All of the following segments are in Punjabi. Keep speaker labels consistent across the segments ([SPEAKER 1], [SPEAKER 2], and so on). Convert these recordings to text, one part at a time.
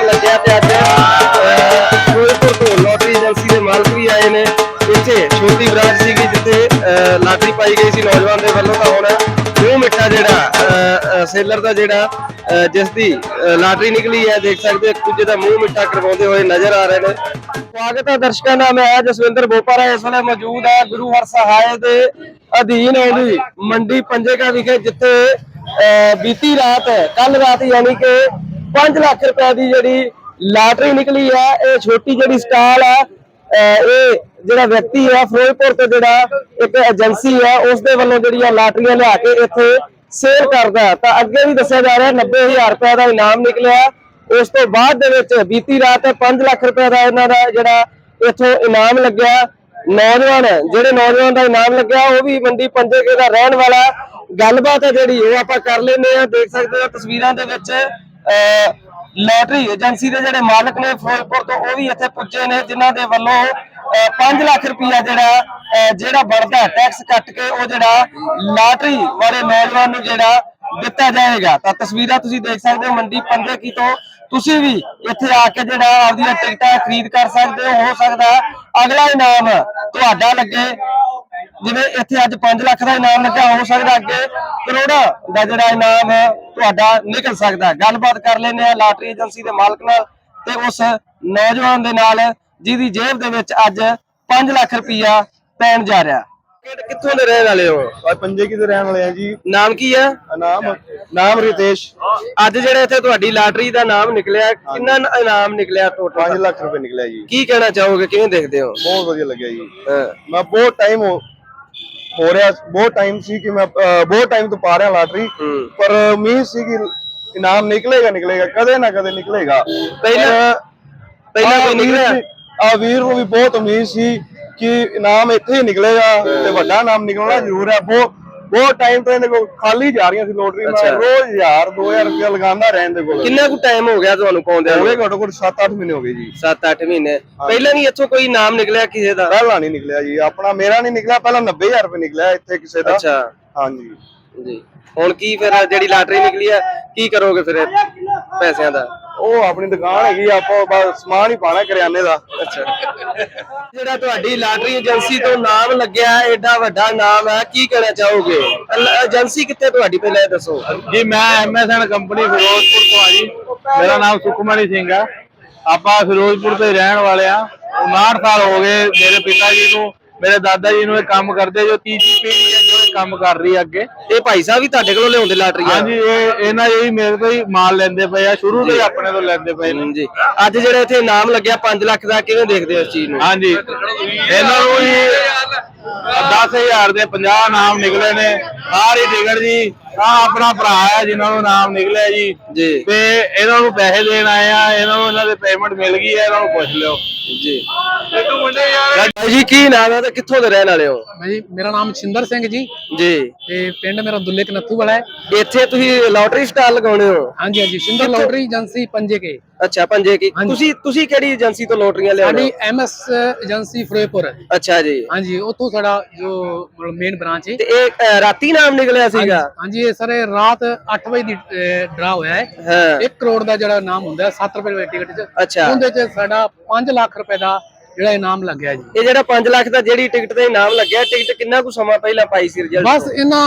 [SPEAKER 1] ਲੱਗਿਆ ਤੇ ਅੱਜ ਫਿਰੋਜ਼ਪੁਰ ਤੋਂ ਲੋਟਰੀ ਏਜੰਸੀ ਦੇ ਮਾਲਕ ਵੀ ਆਏ ਨੇ। ਇੱਥੇ ਛੋਟੀ ਬ੍ਰਾਂਚ ਸੀਗੀ ਜਿੱਥੇ ਲਾਟਰੀ ਪਾਈ ਗਈ ਸੀ ਨੌਜਵਾਨ ਦੇ ਵੱਲੋਂ, ਤਾਂ ਹੁਣ ਮੂੰਹ ਮਿੱਠਾ ਜਿਹੜਾ ਸੇਲਰ ਦਾ ਜਿਹੜਾ ਜਿਸ ਦੀ ਲਾਟਰੀ ਨਿਕਲੀ ਹੈ, ਦੇਖ ਸਕਦੇ ਹੋ ਇੱਕ ਦੂਜੇ ਦਾ ਮੂੰਹ ਮਿੱਠਾ ਕਰਵਾਉਂਦੇ ਹੋਏ ਨਜ਼ਰ ਆ ਰਹੇ ਨੇ। ਸਵਾਗਤ ਹੈ ਦਰਸ਼ਕਾਂ ਦਾ, ਮੈਂ ਜਸਵਿੰਦਰ ਬੋਪਾਰਾ ਇਸ ਵੇਲੇ ਮੌਜੂਦ ਹੈ ਗੁਰੂ ਹਰਸਹਾਏ ਦੇ ਅਧੀਨ ਆਉਂਦੀ ਮੰਡੀ ਪੰਜੇਕਾ ਵਿਖੇ, ਜਿੱਥੇ ਬੀਤੀ ਰਾਤ ਕੱਲ ਰਾਤ ਯਾਨੀ ਕਿ 5 ਲੱਖ रुपए की जी लाटरी निकली है। ये छोटी जी स्टाल है, ये जो व्यक्ति है फिरोजपुर तो जो एक एजेंसी है उसके वालों जी लाटरियां लिया के इतने सेल करता है। तो अगे भी दसिया जा रहा है 90,000 रुपए का इनाम निकलिया। उस तो बाद बीती रात 5 लाख रुपए का इन्हों का जो इतों इनाम लग्या। नौजवान जोड़े नौजवान का इनाम लग्या वो भी मंडी पंजेके का रहन वाला। गलबात है जी वो आप कर लेने, देख सकते हो तस्वीरों के लॉटरी एजेंसी के जोड़े मालक ने फिरोजपुर तो वो भी इतने पुजे ने, जिन्हों के वालों 5 लाख रुपया जोड़ा बढ़ता टैक्स कट के वो जोड़ा लॉटरी वाले नौजवान जोड़ा दिता जाएगा। तो तस्वीर तुम देख सकते हो मंडी पंजेकी तो तुसी भी इत्थे आके जोड़ा आपदी टिकटां खरीद कर सकते हो सकता अगला इनाम तुहाडा लगे। जिवें इत्थे अज 5 लाख का इनाम लगा, हो सकता अगे करोड़ां का जिहड़ा इनाम तुहाडा निकल सकता। गलबात कर लेने आ लाटरी एजेंसी के मालक नाल ते उस नौजवान दे नाल जिहदी जेब दे विच अज 5 लाख रुपया पैण जा रहा। कित्थों दे रहण वाले हो?
[SPEAKER 2] पंजेकी दे रहण वाले हैं जी।
[SPEAKER 1] नाम की है?
[SPEAKER 2] नाम रितेश।
[SPEAKER 1] अज जिहड़ा इत्थे तुहाडी लाटरी दा नाम निकलिया, किन्ना इनाम निकलिया? टोटल
[SPEAKER 2] 5 लाख रुपए निकलिया जी।
[SPEAKER 1] की कहना चाहोगे, किवें देखदे हो?
[SPEAKER 2] बहुत वधिया लग्या जी। मैं बहुत टाइम हो रहा, बहुत टाइम सी कि मैं बहुत टाइम तो पा रहा लाटरी, पर उम्मीद सी कि इनाम निकलेगा कदे ना कदे निकलेगा।
[SPEAKER 1] पहला कोई निकलिया?
[SPEAKER 2] वीर को भी बहुत उम्मीद सी कि इनाम इत्थे ही निकलेगा ते वड्डा इनाम निकलना जरूर है। बहुत टाइम तो इन्हें खाली जा रही लॉटरी में। रोज 1000-2000 रुपया लगाना रहने को।
[SPEAKER 1] कितना कुछ टाइम हो गया ਤੁਹਾਨੂੰ ਪਾਉਂਦੇ
[SPEAKER 2] ਹੋ ਗਏ? ਘੱਟੋ ਘੱਟ 7-8 ਮਹੀਨੇ ਹੋ ਗਏ ਜੀ।
[SPEAKER 1] 7-8 ਮਹੀਨੇ ਪਹਿਲਾਂ ਨਹੀਂ ਇੱਥੋਂ ਕੋਈ ਨਾਮ ਨਿਕਲਿਆ ਕਿਸੇ ਦਾ?
[SPEAKER 2] ਪਹਿਲਾਂ ਨਹੀਂ ਨਿਕਲਿਆ ਜੀ, ਆਪਣਾ ਮੇਰਾ ਨਹੀਂ ਨਿਕਲਿਆ। ਪਹਿਲਾਂ 90,000 ਰੁਪਏ ਨਿਕਲਿਆ ਇੱਥੇ ਕਿਸੇ ਦਾ।
[SPEAKER 1] ਅੱਛਾ
[SPEAKER 2] ਹਾਂਜੀ
[SPEAKER 1] ਜੀ। ਹੁਣ ਕੀ ਫਿਰ ਜਿਹੜੀ ਲਾਟਰੀ ਨਿਕਲੀ ਹੈ ਕੀ ਕਰੋਗੇ ਫਿਰ ਪੈਸਿਆਂ ਦਾ?
[SPEAKER 2] ਉਹ ਆਪਣੀ ਦੁਕਾਨ ਹੈਗੀ, ਆਪਾਂ ਬਸ ਸਮਾਨ ਹੀ ਪਾਣਾ ਕਰਿਆਨੇ ਦਾ।
[SPEAKER 1] ਅੱਛਾ, ਜਿਹੜਾ ਤੁਹਾਡੀ ਲਾਟਰੀ ਏਜੰਸੀ ਤੋਂ ਨਾਮ ਲੱਗਿਆ ਐਡਾ ਵੱਡਾ ਨਾਮ ਹੈ, ਕੀ ਕਹਿਣਾ ਚਾਹੋਗੇ? ਏਜੰਸੀ ਕਿੱਥੇ ਤੁਹਾਡੀ ਪਹਿਲਾਂ ਇਹ ਦੱਸੋ
[SPEAKER 3] ਜੀ। ਮੈਂ MSN ਕੰਪਨੀ ਫਿਰੋਜ਼ਪੁਰ ਤੋਂ ਆ ਜੀ। ਮੇਰਾ ਨਾਮ ਸੁਖਮਣੀ ਸਿੰਘ ਆ। ਆਪਾਂ ਫਿਰੋਜ਼ਪੁਰ ਤੋਂ ਹੀ ਰਹਿਣ ਵਾਲੇ ਆ। 59 ਸਾਲ ਹੋ ਗਏ ਮੇਰੇ ਪਿਤਾ ਜੀ ਨੂੰ, ਮੇਰੇ ਦਾਦਾ ਜੀ ਨੂੰ ਇਹ ਕੰਮ ਕਰਦੇ, ਜੋ ਤੀਜੀ ਪੀੜ੍ਹੀ ਹੈ ਜੋ ਇਹ ਕੰਮ ਕਰ ਰਹੀ ਹੈ ਅੱਗੇ।
[SPEAKER 1] ਇਹ ਭਾਈ ਸਾਹਿਬ ਵੀ ਤੁਹਾਡੇ ਕੋਲੋਂ ਲਿਆਉਂਦੇ ਲਾਟਰੀ?
[SPEAKER 3] ਹਾਂਜੀ, ਇਹਨਾਂ ਇਹ ਮੇਰੇ ਤੋਂ ਹੀ ਮਾਲ ਲੈਂਦੇ ਪਏ ਆ, ਸ਼ੁਰੂ ਤੋਂ ਹੀ ਆਪਣੇ ਤੋਂ ਲੈਂਦੇ ਪਏ ਨੇ
[SPEAKER 1] ਜੀ। ਅੱਜ ਜਿਹੜਾ ਇੱਥੇ ਇਨਾਮ ਲੱਗਿਆ 5 ਲੱਖ ਦਾ, ਕਿਵੇਂ ਦੇਖਦੇ ਹੋ ਇਸ ਚੀਜ਼ ਨੂੰ?
[SPEAKER 3] ਹਾਂਜੀ, ਇਹਨਾਂ ਨੂੰ ਹੀ 10,000 ਦੇ 50 ਨਾਮ ਨਿਕਲੇ ਨੇ। ਸਾਰੀ ਟਿਕਟ ਜੀ ਆ ਆਪਣਾ ਭਰਾ ਹੈ ਜਿਨ੍ਹਾਂ ਨੂੰ ਨਾਮ ਨਿਕਲਿਆ ਜੀ, ਤੇ ਇਹਨਾਂ ਨੂੰ ਪੈਸੇ ਦੇਣ ਆਏ ਆ। ਇਹਨਾਂ ਨੂੰ ਇਹਨਾਂ ਦੇ ਪੇਮੈਂਟ ਮਿਲ ਗਈ ਹੈ, ਇਹਨਾਂ ਨੂੰ ਪੁੱਛ ਲਿਓ
[SPEAKER 1] ਜੀ। ਜੀ ਕੀ ਨਾਮ ਹੈ ਤੇ ਕਿੱਥੋਂ ਦੇ ਰਹਿਣ ਵਾਲੇ ਹੋ?
[SPEAKER 4] ਜੀ ਮੇਰਾ ਨਾਮ ਛਿੰਦਰ ਸਿੰਘ ਜੀ
[SPEAKER 1] ਤੇ
[SPEAKER 4] ਪਿੰਡ ਮੇਰਾ ਦੁੱਲੇ ਕਨੱਥੂ ਵਾਲਾ ਹੈ।
[SPEAKER 1] ਇੱਥੇ ਤੁਸੀਂ ਲਾਟਰੀ ਸਟਾਲ ਲਗਾਉਣੇ ਹੋ?
[SPEAKER 4] ਹਾਂਜੀ ਹਾਂਜੀ, ਸਿੰਦਰ ਲਾਟਰੀ ਏਜੰਸੀ ਪੰਜੇਕੇ।
[SPEAKER 1] ਅੱਛਾ, ਪੰਜੇਕੀ। ਤੁਸੀਂ ਕਿਹੜੀ ਏਜੰਸੀ ਤੋਂ ਲੋਟਰੀਆਂ ਲਿਆਉਂਦੇ ਹੋ?
[SPEAKER 4] ਸਾਡੀ MS ਏਜੰਸੀ ਫਿਰੋਜ਼ਪੁਰ।
[SPEAKER 1] ਅੱਛਾ ਜੀ।
[SPEAKER 4] ਹਾਂਜੀ, ਉੱਥੋਂ ਸਾਡਾ ਜੋ ਮੇਨ ਬ੍ਰਾਂਚ ਹੈ।
[SPEAKER 1] ਤੇ ਇਹ ਰਾਤੀ ਨਾਮ ਨਿਕਲਿਆ ਸੀਗਾ?
[SPEAKER 4] ਹਾਂਜੀ, ਇਹ ਸਾਰੇ ਰਾਤ 8 ਵਜੇ ਦੀ ਡਰਾ ਹੋਇਆ ਹੈ। 1 ਕਰੋੜ ਦਾ ਜਿਹੜਾ ਨਾਮ ਹੁੰਦਾ 7 ਰੁਪਏ ਦੀ ਟਿਕਟ 'ਚ।
[SPEAKER 1] ਅੱਛਾ, ਉਹਦੇ
[SPEAKER 4] 'ਚ ਸਾਡਾ 5 ਲੱਖ ਰੁਪਏ ਦਾ ਜਿਹੜਾ ਇਨਾਮ ਲੱਗਿਆ ਜੀ।
[SPEAKER 1] ਇਹ ਜਿਹੜਾ 5 ਲੱਖ ਦਾ ਜਿਹੜੀ ਟਿਕਟ ਤੇ ਇਨਾਮ ਲੱਗਿਆ, ਟਿਕਟ ਕਿੰਨਾ ਕੁ ਸਮਾਂ ਪਹਿਲਾਂ ਪਾਈ ਸੀ ਰਿਜ਼ਲਟ?
[SPEAKER 4] ਬਸ ਇਹਨਾਂ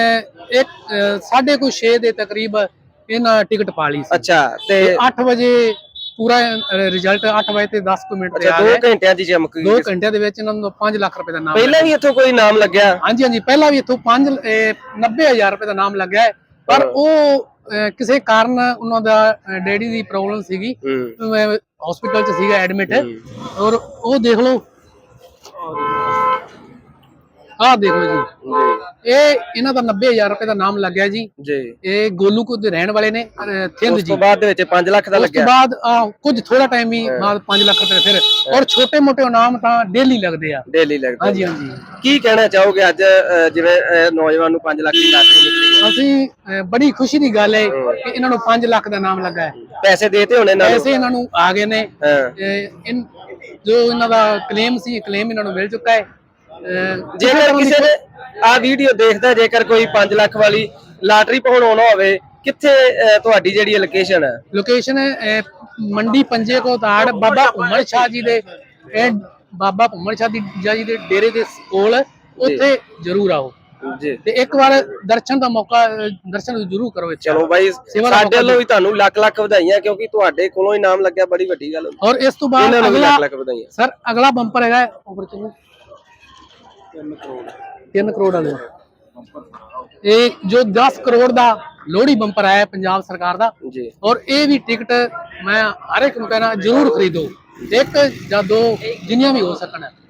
[SPEAKER 4] 6:30 ਦੇ ਤਕਰੀਬ ਇਹਨਾਂ ਟਿਕਟ ਪਾ ਲਈ ਸੀ।
[SPEAKER 1] ਅੱਛਾ, ਤੇ
[SPEAKER 4] 8 ਵਜੇ ਪੂਰਾ ਰਿਜ਼ਲਟ 8 ਵਜੇ ਤੇ 10 ਮਿੰਟ ਤੇ ਆ ਗਿਆ।
[SPEAKER 1] 2 ਘੰਟਿਆਂ ਦੀ ਚਮਕ ਗਈ।
[SPEAKER 4] 2 ਘੰਟਿਆਂ ਦੇ ਵਿੱਚ ਇਹਨਾਂ ਨੂੰ 5 ਲੱਖ ਰੁਪਏ ਦਾ ਨਾਮ।
[SPEAKER 1] ਪਹਿਲਾਂ ਵੀ ਇੱਥੋਂ ਕੋਈ ਨਾਮ ਲੱਗਿਆ?
[SPEAKER 4] ਹਾਂਜੀ ਹਾਂਜੀ, ਪਹਿਲਾਂ ਵੀ ਇੱਥੋਂ 90,000 ਰੁਪਏ ਦਾ ਨਾਮ ਲੱਗਿਆ ਹੈ। ਪਰ ਉਹ ਕਿਸੇ ਕਾਰਨ ਉਹਨਾਂ ਦਾ ਡੈਡੀ ਦੀ ਪ੍ਰੋਬਲਮ ਸੀਗੀ, ਹਸਪੀਟਲ 'ਚ ਸੀਗਾ ਐਡਮਿਟ। ਔਰ ਉਹ ਦੇਖ ਲਓ, ਆਹ ਦੇਖੋ ਜੀ, ਇਹ ਇਹਨਾਂ ਦਾ 90,000 ਰੁਪਏ ਦਾ ਨਾਮ ਲੱਗਿਆ ਜੀ। ਇਹ ਗੋਲੂਕੋ ਦੇ ਰਹਿਣ ਵਾਲੇ ਨੇ, ਥਿੰਦ ਜੀ।
[SPEAKER 1] ਉਸ ਤੋਂ ਬਾਅਦ ਦੇ ਵਿੱਚ 5 ਲੱਖ ਦਾ ਲੱਗਿਆ।
[SPEAKER 4] ਉਸ ਤੋਂ ਬਾਅਦ ਕੁਝ ਥੋੜਾ ਟਾਈਮ ਹੀ ਬਾਅਦ 5 ਲੱਖ ਰੁਪਏ ਫਿਰ। ਔਰ ਛੋਟੇ ਮੋਟੇ ਇਨਾਮ ਤਾਂ ਡੇਲੀ ਲੱਗਦੇ ਆ।
[SPEAKER 1] ਡੇਲੀ ਲੱਗਦੇ।
[SPEAKER 4] ਹਾਂਜੀ ਹਾਂਜੀ।
[SPEAKER 1] ਕੀ ਕਹਿਣਾ ਚਾਹੋਗੇ ਅੱਜ ਜਿਵੇਂ ਨੌਜਵਾਨ ਨੂੰ 5 ਲੱਖ ਦੀ ਲਾਟਰੀ ਨਿਕਲੀ?
[SPEAKER 4] ਅਸੀਂ ਬੜੀ ਖੁਸ਼ੀ ਦੀ ਗੱਲ ਹੈ ਕਿ ਇਹਨਾਂ ਨੂੰ 5 ਲੱਖ ਦਾ ਨਾਮ ਲੱਗਾ ਹੈ।
[SPEAKER 1] ਪੈਸੇ ਦੇਤੇ ਹੋਣੇ ਨਾਲ?
[SPEAKER 4] ਪੈਸੇ ਇਹਨਾਂ ਨੂੰ ਆ ਗਏ ਨੇ। ਜੋ ਇਹਨਾਂ ਦਾ ਕਲੇਮ ਸੀ, ਕਲੇਮ ਇਹਨਾਂ ਨੂੰ ਮਿਲ ਚੁੱਕਾ ਹੈ।
[SPEAKER 1] ਜੇਕਰ ਕਿਸੇ ਨੇ ਆ ਵੀਡੀਓ ਦੇਖਦਾ, ਜੇਕਰ ਕੋਈ 5 ਲੱਖ ਵਾਲੀ ਲਾਟਰੀ ਪਾਉਣ ਆਉਣਾ ਹੋਵੇ, ਕਿੱਥੇ ਤੁਹਾਡੀ ਜਿਹੜੀ ਲੋਕੇਸ਼ਨ ਹੈ?
[SPEAKER 4] ਲੋਕੇਸ਼ਨ ਹੈ ਮੰਡੀ ਪੰਜੇ ਕੋ ਤਾੜ ਬਾਬਾ ਭੁੰਮਣ ਸ਼ਾਹ ਜੀ ਦੇ ਬਾਬਾ ਭੁੰਮਣ ਸ਼ਾਹ ਜੀ ਦੇ ਡੇਰੇ ਦੇ ਕੋਲ ਉੱਥੇ ਜ਼ਰੂਰ ਆਓ
[SPEAKER 1] ਜੀ
[SPEAKER 4] ਤੇ ਇੱਕ ਵਾਰ ਦਰਸ਼ਨ ਦਾ ਮੌਕਾ ਦਰਸ਼ਨ ਜ਼ਰੂਰ ਕਰੋ ਇੱਥੇ।
[SPEAKER 1] ਚਲੋ ਬਾਈ ਸਾਡੇ ਵੱਲੋਂ ਵੀ ਤੁਹਾਨੂੰ ਲੱਖ ਲੱਖ ਵਧਾਈਆਂ ਕਿਉਂਕਿ ਤੁਹਾਡੇ ਕੋਲੋਂ ਇਨਾਮ ਲੱਗਿਆ ਬੜੀ ਵੱਡੀ ਗੱਲ ਹੁੰਦੀ।
[SPEAKER 4] ਔਰ ਇਸ ਤੋਂ ਬਾਅਦ
[SPEAKER 1] ਇਹਨਾਂ ਨੂੰ ਵੀ
[SPEAKER 4] ਅਗਲਾ
[SPEAKER 1] ਲੱਖ ਲੱਖ ਵਧਾਈਆਂ
[SPEAKER 4] ਸਰ ਅਗਲਾ ਬੰਪਰ ਹੈਗਾ ਉੱਪਰ ਚਲੋ 3 ਕਰੋੜ ਵਾਲਾ ਇਹ ਜੋ 10 ਕਰੋੜ ਦਾ ਲੋਹੜੀ ਬੰਪਰ ਆਇਆ ਪੰਜਾਬ ਸਰਕਾਰ ਦਾ
[SPEAKER 1] ਜੀ
[SPEAKER 4] ਔਰ ਇਹ ਵੀ ਟਿਕਟ ਮੈਂ ਹਰ ਇੱਕ ਨੂੰ ਕਹਿਣਾ ਜ਼ਰੂਰ ਖਰੀਦੋ, ਇੱਕ ਜਾਂ ਦੋ ਜਿੰਨੀਆਂ ਵੀ ਹੋ ਸਕਣ।